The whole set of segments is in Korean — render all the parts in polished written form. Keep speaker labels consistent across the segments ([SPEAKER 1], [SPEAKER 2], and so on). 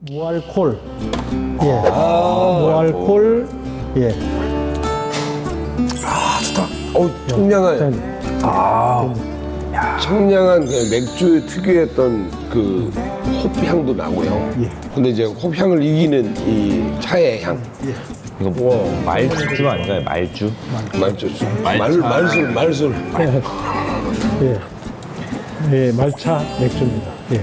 [SPEAKER 1] 무알콜. 예. 무알콜. 예.
[SPEAKER 2] 청량한 청량한 그 맥주 특유의 어떤 그 홉향도 나고요.
[SPEAKER 1] 예.
[SPEAKER 2] 근데 이제 홉향을 이기는 이 차의 향.
[SPEAKER 3] 이거 뭐 말주 아닌가요? 말주?
[SPEAKER 2] 말술.
[SPEAKER 1] 예. 예, 말차 맥주입니다. 예.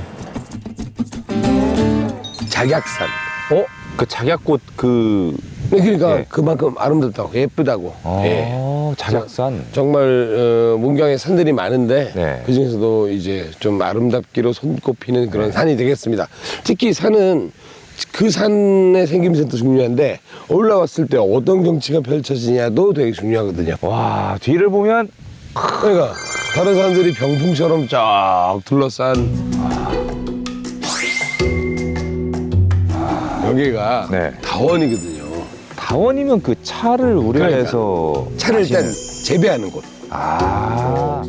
[SPEAKER 2] 작약산.
[SPEAKER 3] 그 작약꽃 그
[SPEAKER 2] 그러니까
[SPEAKER 3] 예.
[SPEAKER 2] 그만큼 아름답다고 예쁘다고. 예.
[SPEAKER 3] 작약산.
[SPEAKER 2] 정말 문경에 산들이 많은데
[SPEAKER 3] 네.
[SPEAKER 2] 그 중에서도 이제 좀 아름답기로 손꼽히는 그런 산이 되겠습니다. 특히 산은 그 산의 생김새도 중요한데 올라왔을 때 어떤 경치가 펼쳐지냐도 되게 중요하거든요.
[SPEAKER 3] 와, 뒤를 보면
[SPEAKER 2] 그러니까 다른 산들이 병풍처럼 쫙 둘러싼 여기가
[SPEAKER 3] 네.
[SPEAKER 2] 다원이거든요.
[SPEAKER 3] 다원이면 그 차를 우려해서
[SPEAKER 2] 차를 일단 재배하는 곳.
[SPEAKER 3] 아.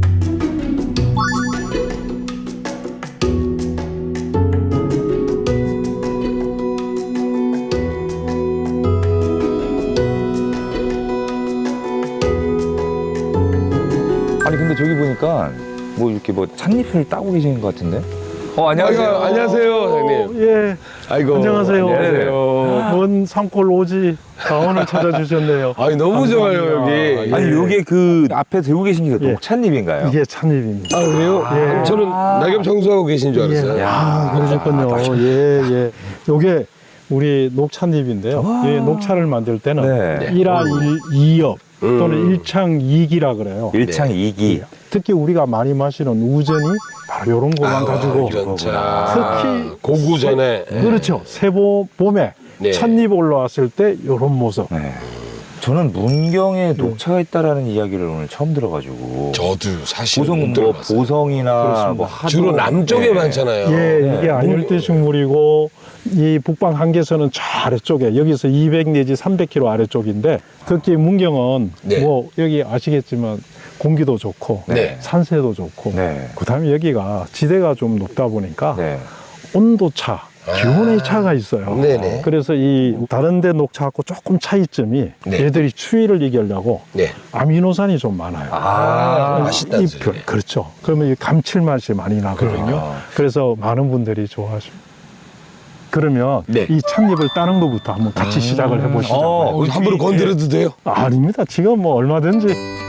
[SPEAKER 3] 아니 근데 저기 보니까 뭐 이렇게 뭐 찻잎을 따고 계시는 것 같은데? 안녕하세요.
[SPEAKER 2] 안녕하세요, 사장님.
[SPEAKER 1] 예.
[SPEAKER 2] 아이고.
[SPEAKER 1] 안녕하세요.
[SPEAKER 2] 안녕하세요.
[SPEAKER 1] 먼 산골 오지 다원을 찾아주셨네요.
[SPEAKER 2] 아니, 너무 좋아요,
[SPEAKER 1] 감사합니다.
[SPEAKER 2] 여기.
[SPEAKER 3] 아니 요게 그 앞에 들고 계신 게
[SPEAKER 1] 예.
[SPEAKER 3] 녹찻잎인가요?
[SPEAKER 1] 이게 찻잎입니다.
[SPEAKER 2] 아, 그래요?
[SPEAKER 1] 예.
[SPEAKER 2] 저는 낙엽 청소하고 계신 줄 알았어요.
[SPEAKER 1] 예. 그러셨군요. 예, 예. 요게 우리 녹찻잎인데요. 예, 녹차를 만들 때는
[SPEAKER 3] 네.
[SPEAKER 1] 일화이엽 또는 일창이기라 그래요.
[SPEAKER 3] 일창이기.
[SPEAKER 1] 특히 우리가 많이 마시는 우전이 바로 이런 것만 가지고 특히
[SPEAKER 2] 고구 전에.
[SPEAKER 1] 그렇죠. 새보 봄에
[SPEAKER 2] 네.
[SPEAKER 1] 찻잎 올라왔을 때 이런 모습.
[SPEAKER 3] 네. 저는 문경에 녹차가 있다라는 이야기를 오늘 처음 들어가지고
[SPEAKER 2] 저도 사실
[SPEAKER 3] 보성
[SPEAKER 2] 못
[SPEAKER 3] 뭐
[SPEAKER 2] 들어봤어요.
[SPEAKER 3] 보성이나 뭐 하도
[SPEAKER 2] 주로 남쪽에
[SPEAKER 3] 네.
[SPEAKER 2] 많잖아요.
[SPEAKER 1] 예, 이게 안열대 식물이고 이 북방 한계선은 저 아래쪽에 여기서 200 내지 300km 아래쪽인데 특히 문경은
[SPEAKER 2] 네.
[SPEAKER 1] 뭐 여기 아시겠지만 공기도 좋고
[SPEAKER 2] 네.
[SPEAKER 1] 산세도 좋고
[SPEAKER 3] 네.
[SPEAKER 1] 그다음에 여기가 지대가 좀 높다 보니까
[SPEAKER 3] 네.
[SPEAKER 1] 온도차, 기온의 차가 있어요.
[SPEAKER 2] 네네.
[SPEAKER 1] 그래서 이 다른 데 녹차하고 조금 차이점이
[SPEAKER 2] 네.
[SPEAKER 1] 얘들이 추위를 이기려고
[SPEAKER 2] 네.
[SPEAKER 1] 아미노산이 좀 많아요.
[SPEAKER 2] 맛있다는
[SPEAKER 1] 잎,
[SPEAKER 2] 소리.
[SPEAKER 1] 그렇죠. 그러면 이 감칠맛이 많이 나거든요. 그래서 많은 분들이 좋아하십니다. 그러면
[SPEAKER 2] 네.
[SPEAKER 1] 이 찻잎을 따는 것부터 한번 같이 시작을 해보시죠.
[SPEAKER 2] 함부로 건드려도 돼요?
[SPEAKER 1] 아닙니다. 지금 뭐 얼마든지.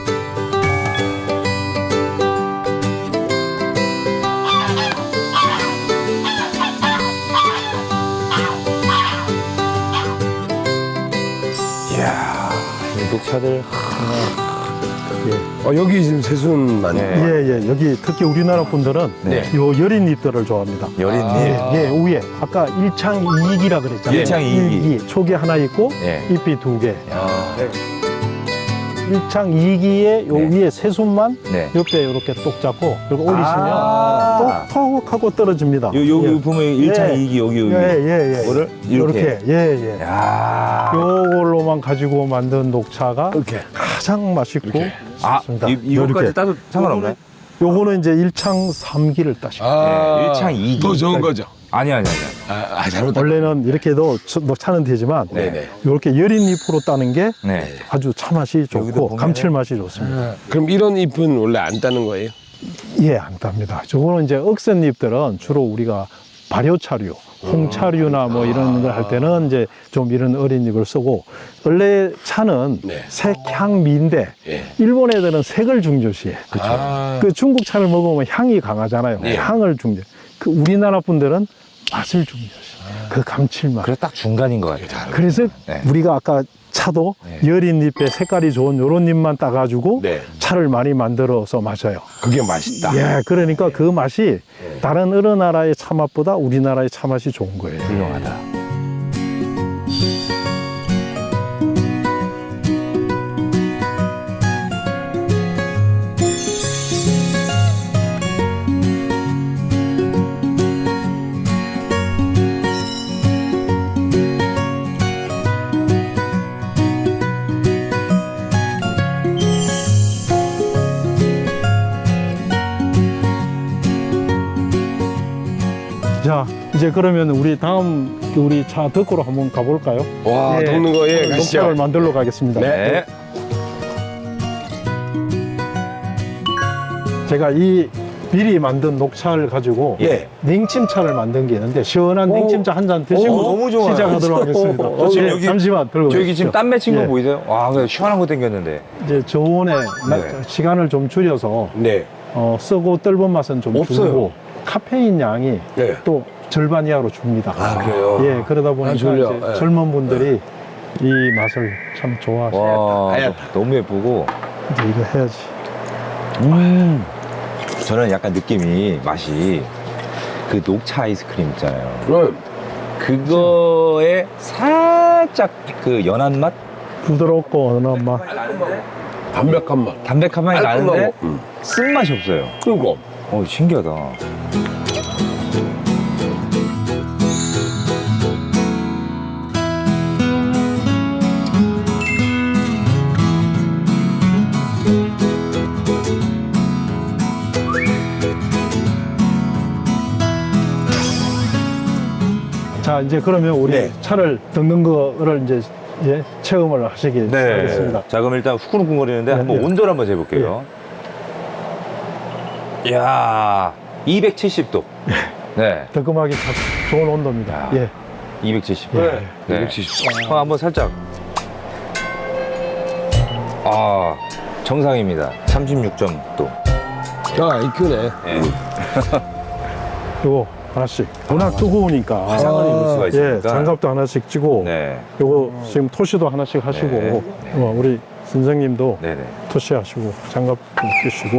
[SPEAKER 3] 이야, 이 녹차들
[SPEAKER 2] 여기 지금 새순 많이.
[SPEAKER 3] 네.
[SPEAKER 1] 예, 예. 여기 특히 우리나라 분들은
[SPEAKER 3] 네.
[SPEAKER 1] 요 여린 잎들을 좋아합니다.
[SPEAKER 3] 여린잎.
[SPEAKER 1] 예, 위에 아까 일창이기라 그랬잖아요.
[SPEAKER 3] 일창이기.
[SPEAKER 1] 이기. 촉이 하나 있고
[SPEAKER 3] 네.
[SPEAKER 1] 잎이 두 개.
[SPEAKER 3] 아,
[SPEAKER 1] 일창이기에 요
[SPEAKER 3] 네.
[SPEAKER 1] 위에 새순만
[SPEAKER 3] 네.
[SPEAKER 1] 옆에 이렇게 똑 잡고 이렇게 올리시면
[SPEAKER 3] 아.
[SPEAKER 1] 똑똑 하고 떨어집니다.
[SPEAKER 3] 요 보면 일창이기 여기
[SPEAKER 1] 예, 예, 예.
[SPEAKER 3] 이거를
[SPEAKER 1] 이렇게. 예, 예.
[SPEAKER 3] 야.
[SPEAKER 1] 요걸로만 가지고 만든 녹차가
[SPEAKER 2] 이렇게.
[SPEAKER 1] 가장 맛있고
[SPEAKER 3] 아,
[SPEAKER 1] 좋습니다.
[SPEAKER 3] 이거까지
[SPEAKER 1] 이렇게.
[SPEAKER 3] 따도 상관없나요?
[SPEAKER 1] 요거는 이제 일창 3기를 따십니다.
[SPEAKER 3] 네, 일창 이기.
[SPEAKER 2] 더 좋은 거죠?
[SPEAKER 3] 아니.
[SPEAKER 2] 잘못했다.
[SPEAKER 1] 원래는 이렇게도 녹차는 되지만
[SPEAKER 2] 네네.
[SPEAKER 1] 이렇게 여린 잎으로 따는 게
[SPEAKER 3] 네.
[SPEAKER 1] 아주 차 맛이
[SPEAKER 3] 여기도
[SPEAKER 1] 좋고
[SPEAKER 3] 보면은-
[SPEAKER 1] 감칠맛이 좋습니다.
[SPEAKER 2] 그럼 이런 잎은 원래 안 따는 거예요?
[SPEAKER 1] 예, 안 땁니다. 저거는 이제 억센 잎들은 주로 우리가 발효차류, 홍차류나 뭐 이런 걸 할 때는 이제 좀 이런 어린 잎을 쓰고 원래 차는
[SPEAKER 2] 네.
[SPEAKER 1] 색향미인데
[SPEAKER 2] 예.
[SPEAKER 1] 일본 애들은 색을 중요시해.
[SPEAKER 2] 아.
[SPEAKER 1] 그 중국 차를 먹으면 향이 강하잖아요.
[SPEAKER 2] 네.
[SPEAKER 1] 향을 중요. 그 우리나라 분들은 맛을 중요시. 그 감칠맛.
[SPEAKER 3] 그래서 딱 중간인 것 같아요.
[SPEAKER 1] 그래서
[SPEAKER 3] 네.
[SPEAKER 1] 우리가 아까 차도 여린 잎에 색깔이 좋은 요런 잎만 따가지고
[SPEAKER 2] 네.
[SPEAKER 1] 차를 많이 만들어서 마셔요.
[SPEAKER 2] 그게 맛있다.
[SPEAKER 1] 예, 그러니까 그 맛이 다른 어느 나라의 차 맛보다 우리나라의 차 맛이 좋은 거예요.
[SPEAKER 3] 훌륭하다.
[SPEAKER 1] 자, 이제 이제 그러면 우리 다음 우리 차 덕구로 한번 가볼까요?
[SPEAKER 2] 와,
[SPEAKER 1] 예.
[SPEAKER 2] 녹는 거, 예,
[SPEAKER 1] 녹차를
[SPEAKER 2] 가시죠.
[SPEAKER 1] 만들러 가겠습니다.
[SPEAKER 2] 네.
[SPEAKER 1] 제가 이 미리 만든 녹차를 가지고
[SPEAKER 2] 예.
[SPEAKER 1] 냉침차를 만든 게 있는데 시원한
[SPEAKER 2] 오.
[SPEAKER 1] 냉침차 한 잔 드시고
[SPEAKER 3] 오, 너무 좋아요.
[SPEAKER 1] 시작하도록 하겠습니다.
[SPEAKER 3] 지금
[SPEAKER 1] 예,
[SPEAKER 3] 여기-
[SPEAKER 1] 잠시만 들고
[SPEAKER 3] 저기 지금
[SPEAKER 1] 계십시오.
[SPEAKER 3] 땀 맺힌 거
[SPEAKER 1] 예.
[SPEAKER 3] 보이세요? 와, 그래, 시원한 거 땡겼는데.
[SPEAKER 1] 이제 저온에 시간을 좀 줄여서
[SPEAKER 2] 네.
[SPEAKER 1] 쓰고 떫은 맛은 좀
[SPEAKER 3] 없어요.
[SPEAKER 1] 줄고 카페인 양이
[SPEAKER 2] 네.
[SPEAKER 1] 또 절반 이하로 줍니다.
[SPEAKER 2] 아, 그래요?
[SPEAKER 1] 예, 그러다 보니까
[SPEAKER 2] 졸려.
[SPEAKER 1] 이제
[SPEAKER 2] 예.
[SPEAKER 1] 젊은 분들이 이 맛을 참 좋아하시죠.
[SPEAKER 3] 와,
[SPEAKER 2] 하얗다.
[SPEAKER 3] 너무 예쁘고.
[SPEAKER 1] 이제 이거 해야지.
[SPEAKER 3] 저는 약간 느낌이, 맛이 그 녹차 아이스크림 있잖아요.
[SPEAKER 2] 그럼,
[SPEAKER 3] 그거에 살짝 그 연한 맛?
[SPEAKER 1] 부드럽고 어느 맛.
[SPEAKER 2] 담백한 맛.
[SPEAKER 3] 담백한 맛이 나는데
[SPEAKER 2] 깔끔하고.
[SPEAKER 3] 쓴맛이 없어요.
[SPEAKER 2] 그리고,
[SPEAKER 3] 신기하다.
[SPEAKER 1] 자, 이제 그러면 우리
[SPEAKER 2] 네.
[SPEAKER 1] 차를 덮는 거를 이제 예, 체험을 하시기 바라겠습니다.
[SPEAKER 3] 자, 그럼 일단 후끈후끈거리는데
[SPEAKER 1] 네,
[SPEAKER 3] 한번
[SPEAKER 1] 네.
[SPEAKER 3] 온도를 한번 재볼게요. 이야, 270도. 네.
[SPEAKER 1] 덕금하기 참 좋은 온도입니다.
[SPEAKER 3] 야.
[SPEAKER 1] 예.
[SPEAKER 3] 270도.
[SPEAKER 2] 네.
[SPEAKER 3] 네.
[SPEAKER 2] 270.
[SPEAKER 3] 한번 살짝. 정상입니다. 36.도.
[SPEAKER 2] 야, 이 크네.
[SPEAKER 3] 네.
[SPEAKER 1] 요거 하나씩. 워낙 뜨거우니까.
[SPEAKER 3] 화상을 입을 수가
[SPEAKER 1] 예,
[SPEAKER 3] 있으니까.
[SPEAKER 1] 장갑도 하나씩 찌고.
[SPEAKER 3] 네.
[SPEAKER 1] 요거 지금 토시도 하나씩 하시고.
[SPEAKER 3] 네.
[SPEAKER 1] 우리 선생님도
[SPEAKER 3] 네네.
[SPEAKER 1] 토시 하시고 장갑 좀 끼시고.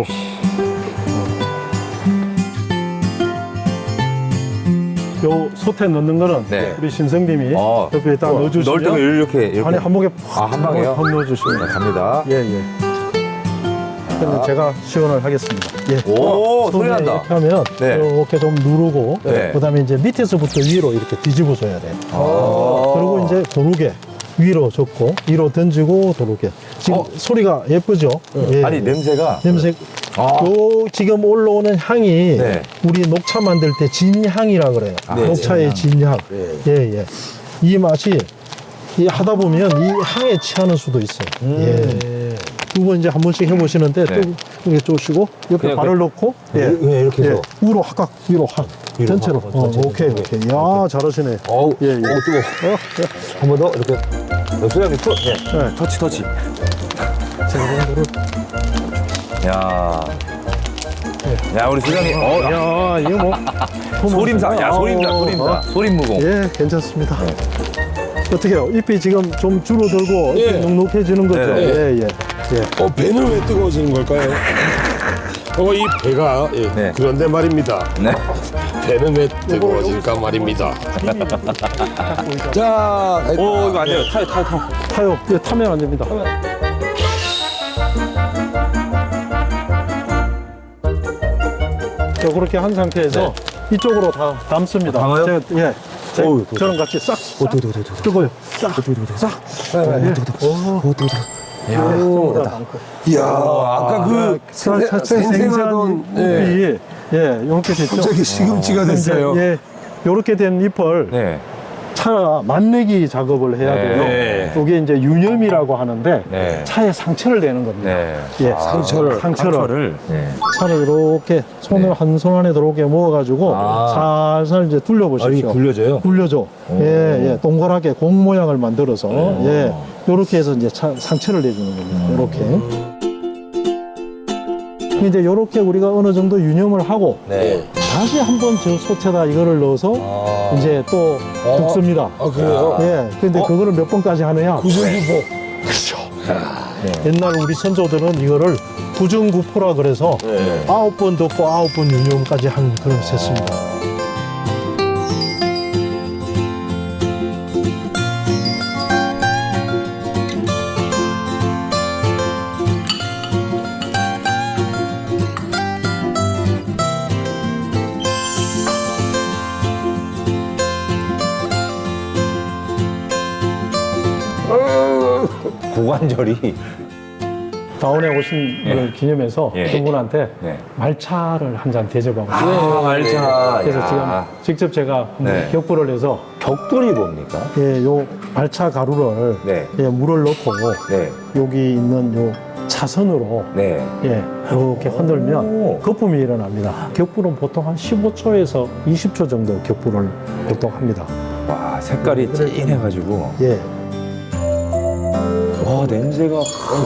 [SPEAKER 1] 요 솥에 넣는 거는
[SPEAKER 3] 네.
[SPEAKER 1] 우리 신성님이
[SPEAKER 3] 어.
[SPEAKER 1] 옆에 딱
[SPEAKER 3] 넣을
[SPEAKER 1] 넣어주시면
[SPEAKER 3] 때가 이렇게.
[SPEAKER 1] 안에 한목에
[SPEAKER 3] 한 방에요?
[SPEAKER 1] 팍 넣어주시면
[SPEAKER 3] 네, 갑니다.
[SPEAKER 1] 예, 예. 그러면 제가 시연을 하겠습니다. 예.
[SPEAKER 3] 오, 소리
[SPEAKER 1] 손에
[SPEAKER 3] 난다.
[SPEAKER 1] 이렇게 하면
[SPEAKER 3] 네.
[SPEAKER 1] 이렇게 좀 누르고
[SPEAKER 3] 네.
[SPEAKER 1] 그다음에 이제 밑에서부터 위로 이렇게 뒤집어줘야 돼. 그리고 이제 도르게 위로 접고 위로 던지고 도르게. 지금 소리가 예쁘죠? 예.
[SPEAKER 3] 아니, 냄새가.
[SPEAKER 1] 냄새. 요 지금 올라오는 향이
[SPEAKER 3] 네.
[SPEAKER 1] 우리 녹차 만들 때 진향이라 그래요.
[SPEAKER 3] 네,
[SPEAKER 1] 녹차의 진향. 예, 예. 이 맛이 이 하다 보면 이 향에 취하는 수도 있어요. 예. 두 번 이제 한 번씩 해보시는데
[SPEAKER 3] 네.
[SPEAKER 1] 또 이렇게 쪼시고 옆에
[SPEAKER 3] 그냥
[SPEAKER 1] 발을 넣고 예.
[SPEAKER 4] 이렇게 해서
[SPEAKER 1] 위로 확각 위로 확 전체로
[SPEAKER 4] 전체로.
[SPEAKER 1] 오케이 오케이 야 잘하시네.
[SPEAKER 4] 어우,
[SPEAKER 1] 예, 예.
[SPEAKER 4] 뜨거워. 한 번 더 이렇게.
[SPEAKER 3] 소장님,
[SPEAKER 1] 네.
[SPEAKER 3] 터치.
[SPEAKER 1] 제가 정도를
[SPEAKER 3] 야. 야, 우리 소장님.
[SPEAKER 1] 야 이거 뭐
[SPEAKER 3] 소림사. 야, 소림사. 소림무공.
[SPEAKER 1] 예 괜찮습니다. 어떻게요? 잎이 지금 좀 줄어들고
[SPEAKER 2] 예.
[SPEAKER 1] 잎이 눅눅해지는 거죠?
[SPEAKER 3] 네.
[SPEAKER 1] 예, 예.
[SPEAKER 2] 배는 왜 뜨거워지는 걸까요? 이 배가, 예.
[SPEAKER 3] 네.
[SPEAKER 2] 그런데 말입니다.
[SPEAKER 3] 네.
[SPEAKER 2] 배는 왜 뜨거워질까 말입니다. 자,
[SPEAKER 3] 오, 이거 안 돼요. 타요.
[SPEAKER 1] 타요. 예, 타면 안 됩니다. 자, 그렇게 한 상태에서 이쪽으로 다 담습니다.
[SPEAKER 3] 담아요?
[SPEAKER 1] 제가, 예. 저랑 같이 싹. 뜨거워요. 싹.
[SPEAKER 2] 이야, 아까 그 생생하던, 예.
[SPEAKER 1] 잎이 예, 이렇게 됐죠.
[SPEAKER 2] 갑자기 시금치가 됐어요.
[SPEAKER 1] 이제, 예, 이렇게 된 잎을
[SPEAKER 3] 네.
[SPEAKER 1] 차 맛내기 작업을 해야 돼요.
[SPEAKER 3] 네.
[SPEAKER 1] 이게 이제 유념이라고 하는데
[SPEAKER 3] 네.
[SPEAKER 1] 차에 상처를 내는 겁니다.
[SPEAKER 3] 네.
[SPEAKER 1] 예,
[SPEAKER 2] 상처를.
[SPEAKER 3] 네.
[SPEAKER 1] 차를 이렇게 손을
[SPEAKER 3] 네.
[SPEAKER 1] 한 손 안에 들어오게 모아가지고 살살 이제 둘러보십시오.
[SPEAKER 4] 굴려져요?
[SPEAKER 1] 굴려줘. 예, 예, 동그랗게 공 모양을 만들어서 예, 이렇게 해서 이제 상처를 내주는 겁니다. 이렇게. 이제 이렇게 우리가 어느 정도 유념을 하고
[SPEAKER 3] 네.
[SPEAKER 1] 다시 한번 저 솥에다 이거를 넣어서 이제 또 굽습니다.
[SPEAKER 2] 아, 그래요?
[SPEAKER 1] 예, 근데 그거를 몇 번까지 하느냐?
[SPEAKER 2] 구슬구포.
[SPEAKER 1] 그렇죠. 옛날 우리 선조들은 이거를 구중구포라 그래서
[SPEAKER 2] 네.
[SPEAKER 1] 9번 덮고 9번 유념까지 한 그런 셌습니다.
[SPEAKER 3] 고관절이.
[SPEAKER 1] 다운에 오신
[SPEAKER 3] 예.
[SPEAKER 1] 걸 기념해서
[SPEAKER 3] 예.
[SPEAKER 1] 두 분한테
[SPEAKER 3] 네.
[SPEAKER 1] 말차를 한 잔 대접하고 싶습니다.
[SPEAKER 3] 아, 말차.
[SPEAKER 1] 그래서 지금
[SPEAKER 3] 야.
[SPEAKER 1] 직접 제가
[SPEAKER 3] 네.
[SPEAKER 1] 격부를 해서
[SPEAKER 3] 격돌이 뭡니까?
[SPEAKER 1] 예, 요 말차 가루를
[SPEAKER 3] 네.
[SPEAKER 1] 예, 물을 넣고
[SPEAKER 3] 네.
[SPEAKER 1] 여기 있는 요 차선으로
[SPEAKER 3] 네.
[SPEAKER 1] 예, 이렇게 흔들면
[SPEAKER 3] 오.
[SPEAKER 1] 거품이 일어납니다. 격부는 보통 한 15초에서 20초 정도 격부를 보통 합니다.
[SPEAKER 3] 와, 색깔이 진해가지고.
[SPEAKER 1] 예,
[SPEAKER 3] 와, 냄새가.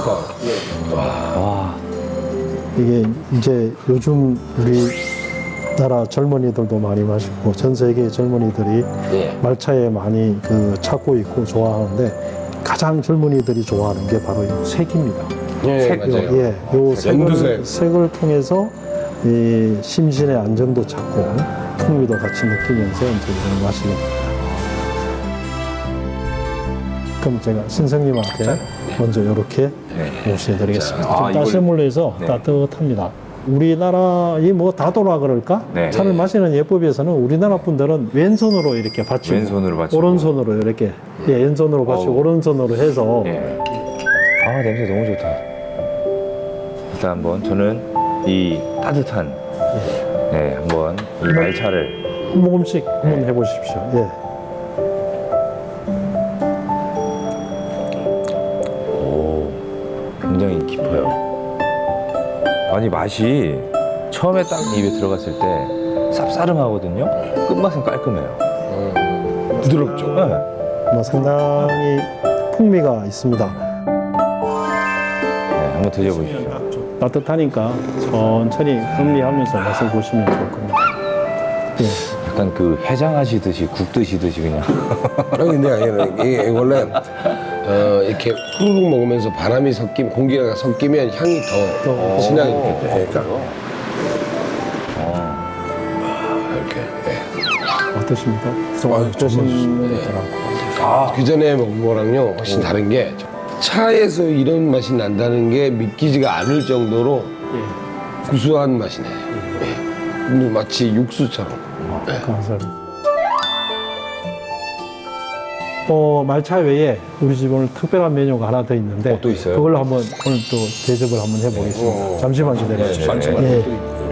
[SPEAKER 3] 와.
[SPEAKER 1] 이게 이제 요즘 우리나라 젊은이들도 많이 마시고 전 세계 젊은이들이
[SPEAKER 2] 예.
[SPEAKER 1] 말차에 많이 찾고 있고 좋아하는데 가장 젊은이들이 좋아하는 게 바로 이 색입니다.
[SPEAKER 2] 예, 맞아요.
[SPEAKER 1] 예, 요
[SPEAKER 2] 연두색.
[SPEAKER 1] 색을 통해서 이 심신의 안정도 찾고 풍미도 같이 느끼면서 이제 이걸 마시게 됩니다. 그럼 제가 신성님한테 먼저 이렇게
[SPEAKER 3] 네.
[SPEAKER 1] 모셔드리겠습니다.
[SPEAKER 3] 자, 아,
[SPEAKER 1] 좀 따스한
[SPEAKER 3] 이걸-
[SPEAKER 1] 물로 해서
[SPEAKER 3] 네.
[SPEAKER 1] 따뜻합니다. 우리나라의 뭐 다도라 그럴까?
[SPEAKER 3] 네.
[SPEAKER 1] 차를 마시는 예법에서는 우리나라 분들은 왼손으로 이렇게 받치고
[SPEAKER 3] 왼손으로 받치고.
[SPEAKER 1] 오른손으로 이렇게 예, 왼손으로 받치고
[SPEAKER 3] 어우.
[SPEAKER 1] 오른손으로 해서
[SPEAKER 3] 예. 아, 냄새 너무 좋다. 일단 한번 저는 이 따뜻한, 네, 한번 이 말차를.
[SPEAKER 1] 한 모금씩 한번 해보십시오. 예.
[SPEAKER 3] 오, 굉장히 깊어요. 아니, 맛이 처음에 딱 입에 들어갔을 때 쌉싸름하거든요. 끝맛은 깔끔해요.
[SPEAKER 2] 부드럽죠.
[SPEAKER 3] 네.
[SPEAKER 1] 뭐 상당히 풍미가 있습니다.
[SPEAKER 3] 네, 한번 드셔보십시오.
[SPEAKER 1] 따뜻하니까 천천히 음미하면서 맛을 보시면 좋을 겁니다. 예.
[SPEAKER 3] 약간 그 해장하시듯이 국 드시듯이 그냥.
[SPEAKER 2] 아니, 근데 아니라 이게 원래 이렇게 후루룩 먹으면서 바람이 공기가 섞이면 향이 더 진하게 이렇게 돼. 그러니까 이렇게. 예.
[SPEAKER 1] 어떠십니까?
[SPEAKER 2] 아유,
[SPEAKER 1] 드신
[SPEAKER 2] 예.
[SPEAKER 1] 거랑.
[SPEAKER 2] 그 전에 먹은 거랑요 훨씬 다른 게 차에서 이런 맛이 난다는 게 믿기지가 않을 정도로
[SPEAKER 1] 예.
[SPEAKER 2] 구수한 맛이네. 예. 근데 마치 육수처럼.
[SPEAKER 1] 감사합니다. 말차 외에 우리 집 오늘 특별한 메뉴가 하나 더 있는데
[SPEAKER 3] 또 있어요?
[SPEAKER 1] 그걸로 한번 오늘 또 대접을 한번 해보겠습니다. 잠시만 기다려주세요. 예.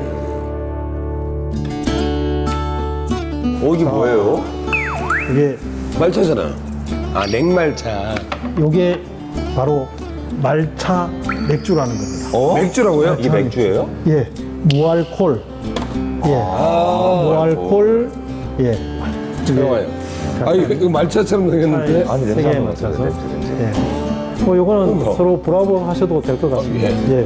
[SPEAKER 3] 이게 뭐예요?
[SPEAKER 1] 이게
[SPEAKER 2] 말차잖아. 아, 냉말차.
[SPEAKER 1] 요게 바로 말차 맥주라는 겁니다.
[SPEAKER 2] 맥주라고요?
[SPEAKER 3] 이게 맥주예요?
[SPEAKER 1] 예, 무알콜. 예, 무알콜. 예.
[SPEAKER 2] 잠깐만요. 아, 이거 말차처럼 생겼는데.
[SPEAKER 3] 아니, 냄새
[SPEAKER 1] 세계에
[SPEAKER 3] 한번 맡아서
[SPEAKER 1] 맞춰서.
[SPEAKER 3] 냄새.
[SPEAKER 1] 예. 요거는 서로 브라보 하셔도 될 것 같습니다. 예.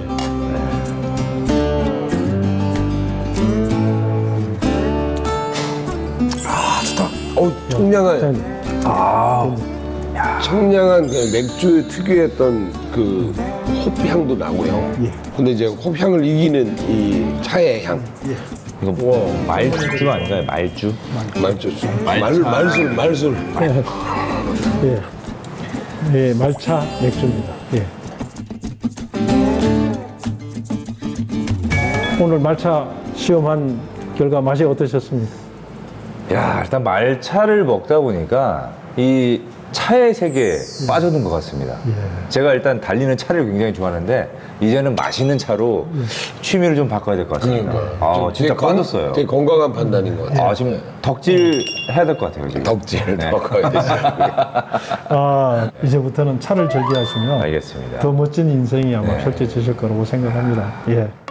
[SPEAKER 2] 청량한, 청량한 그 맥주 특유했던 그 홉향도 나고요.
[SPEAKER 1] 예.
[SPEAKER 2] 근데 이제 홉향을 이기는 이 차의 향.
[SPEAKER 3] 이거 뭐 말주 아닌가요? 말주?
[SPEAKER 2] 말술.
[SPEAKER 1] 예. 예, 말차 맥주입니다. 예. 오늘 말차 시험한 결과 맛이 어떠셨습니까?
[SPEAKER 3] 야, 일단 말차를 먹다 보니까 이 차의 세계에 빠져든 것 같습니다. 제가 일단 달리는 차를 굉장히 좋아하는데 이제는 마시는 차로 취미를 좀 바꿔야 될 것 같습니다. 아, 진짜 빠졌어요.
[SPEAKER 2] 되게 건강한 판단인 것 같아요.
[SPEAKER 3] 아, 지금 덕질 해야 될 것 같아요, 지금.
[SPEAKER 2] 덕질
[SPEAKER 3] 네.
[SPEAKER 2] 바꿔야 되지.
[SPEAKER 1] 이제부터는 차를 즐겨하시면
[SPEAKER 3] 알겠습니다.
[SPEAKER 1] 더 멋진 인생이 아마 펼쳐지실 거라고 생각합니다. 예.